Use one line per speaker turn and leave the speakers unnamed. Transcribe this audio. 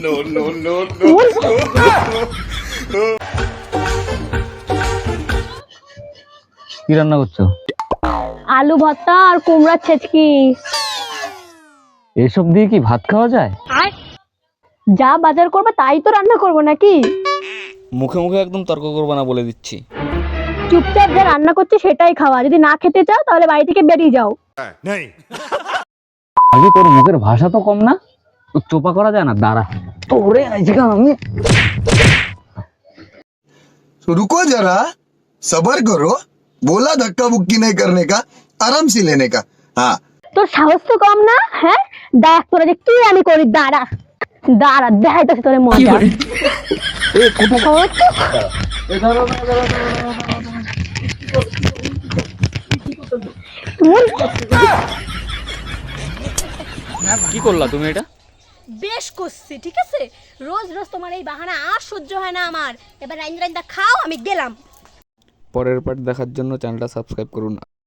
কি রান্না করছো?
আলু ভর্তা আর কুমড়ার ছেচকি।
এসব দিয়ে কি ভাত খাওয়া যায়?
যা বাজার করবে তাই তো রান্না করবো নাকি?
মুখে মুখে একদম তর্ক করবো না বলে দিচ্ছি।
চুপচাপ যা রান্না করছে সেটাই খাওয়া, যদি না খেতে চাও তাহলে বাড়ি থেকে বেরিয়ে যাও।
আগে তোর মুখের ভাষা তো কম না, তো চোপা করা যায় না? দাঁড়া তোরে আজকে আমি।
रुको जरा सबर करो बोला धक्का बुक्की नहीं करने का आराम से लेने का हाँ
তোর সাহস তো কম না? হ্যাঁ, দেখ তোরা যে কি আমি করি। দাঁড়া দাঁড়া, দেখাইতেছি তোরে মজা।
কি করলা তুমি এটা?
বেশ করছি, ঠিক আছে? রোজ রোজ তোমার এই বাহানা আর সহ্য হয় না আমার। এবার রাইন্দা রাইন্দা খাও, আমি গেলাম।
পরের পার্ট দেখার জন্য চ্যানেলটা সাবস্ক্রাইব করুন।